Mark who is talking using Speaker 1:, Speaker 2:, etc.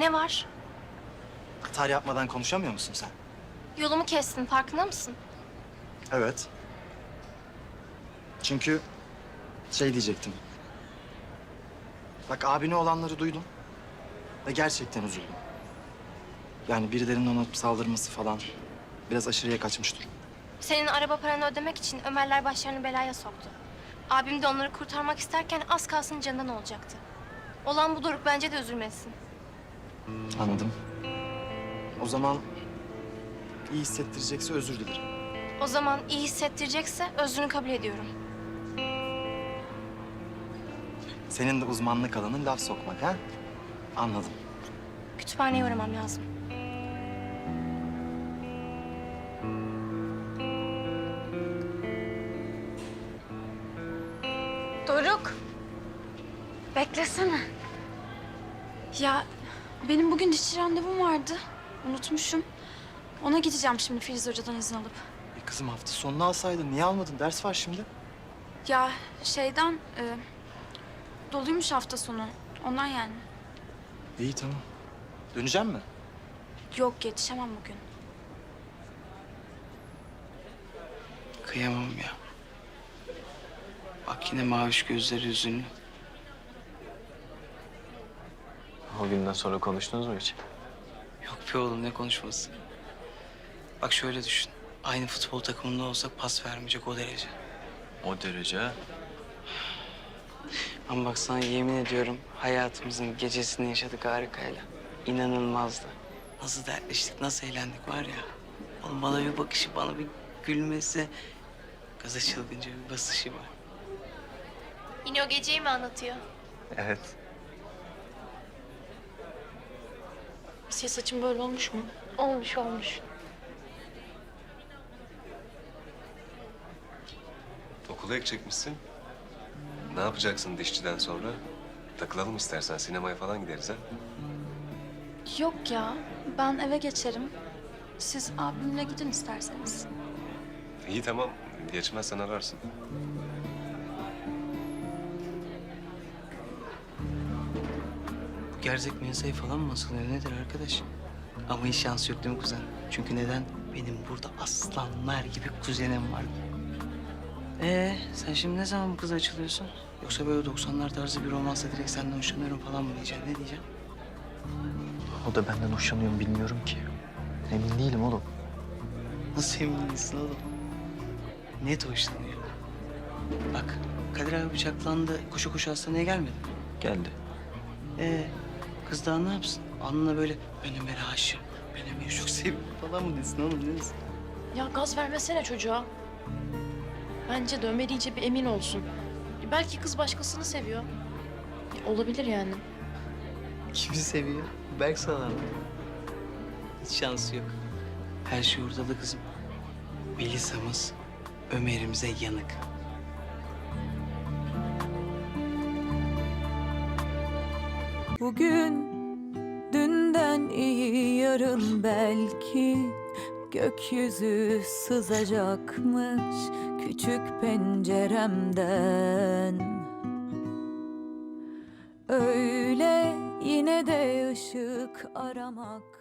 Speaker 1: Ne var?
Speaker 2: Hata yapmadan konuşamıyor musun sen?
Speaker 1: Yolumu kestin, farkında mısın?
Speaker 2: Evet. Çünkü şey diyecektim. Bak abine olanları duydum ve gerçekten üzüldüm. Yani birilerinin ona saldırması falan biraz aşırıya kaçmış durum.
Speaker 1: Senin araba paranı ödemek için Ömerler başlarını belaya soktu. Abim de onları kurtarmak isterken az kalsın canından olacaktı. Olan bu, Doruk, bence de üzülmesin.
Speaker 2: Anladım. O zaman iyi hissettirecekse özür dilerim.
Speaker 1: O zaman iyi hissettirecekse özrünü kabul ediyorum.
Speaker 2: Senin de uzmanlık alanın laf sokmak ha? Anladım.
Speaker 1: Kütüphaneye uğramam lazım. Doruk.
Speaker 3: Beklesene. Ya benim bugün dişçi randevum vardı. Unutmuşum. Ona gideceğim şimdi Filiz Hoca'dan izin alıp.
Speaker 2: Kızım hafta sonunu alsaydın. Niye almadın? Ders var şimdi.
Speaker 3: Ya şeyden doluymuş hafta sonu. Ondan yani.
Speaker 2: İyi tamam. Döneceğim mi?
Speaker 3: Yok yetişemem bugün.
Speaker 4: Kıyamam ya. Bak yine maviş gözleri hüzünlü.
Speaker 5: O günden sonra konuştunuz mu hiç?
Speaker 4: Yok be oğlum, ne konuşması. Bak şöyle düşün. Aynı futbol takımında olsak pas vermeyecek o derece.
Speaker 5: O derece ha?
Speaker 4: Ama bak sana yemin ediyorum hayatımızın gecesini yaşadık harikayla. İnanılmazdı. Nasıl dertleştik, nasıl eğlendik var ya. Oğlum bana bir bakışı, bana bir gülmesi. Gaza çılgınca bir basışı var.
Speaker 1: Yine o geceyi mi anlatıyor?
Speaker 5: Evet.
Speaker 3: Senin saçın böyle olmuş mu?
Speaker 1: Olmuş, olmuş.
Speaker 6: Okula ekecekmişsin. Ne yapacaksın dişçiden sonra? Takılalım istersen, sinemaya falan gideriz ha.
Speaker 3: Yok ya. Ben eve geçerim. Siz abimle gidin isterseniz.
Speaker 6: İyi tamam, geçmezsen ararsın.
Speaker 4: Bu gerzek mensayı falan mı asılıyor nedir arkadaş? Ama hiç şansı yok değil mi kuzen? Çünkü neden? Benim burada aslanlar gibi kuzenim var. Sen şimdi ne zaman bu kıza açılıyorsun? Yoksa böyle 90'lar tarzı bir romansa direkt senden hoşlanıyorum falan mı diyeceksin? Ne diyeceksin?
Speaker 5: O da benden hoşlanıyor mu bilmiyorum ki. Emin değilim oğlum.
Speaker 4: Nasıl emin değilsin oğlum? Net hoşlanıyor. Bak Kadir abi bıçaklandı. Koşa koşa hastaneye gelmedi mi?
Speaker 5: Geldi.
Speaker 4: Kız daha ne yapsın? Alnına böyle ben Ömer'e aşığım. Ben Ömer'i çok seviyorum falan mı desin oğlum, ne desin?
Speaker 7: Ya gaz vermesene çocuğa. Bence de Ömer iyice bir emin olsun. Belki kız başkasını seviyor. Olabilir yani.
Speaker 4: Kimi seviyor? Berk sana mı? Hiç şansı yok. Her şey ortada kızım. Melisa'mız Ömer'imize yanık.
Speaker 8: Bugün dünden iyi yarın belki gökyüzü sızacakmış küçük penceremden. Öyle yine de ışık aramak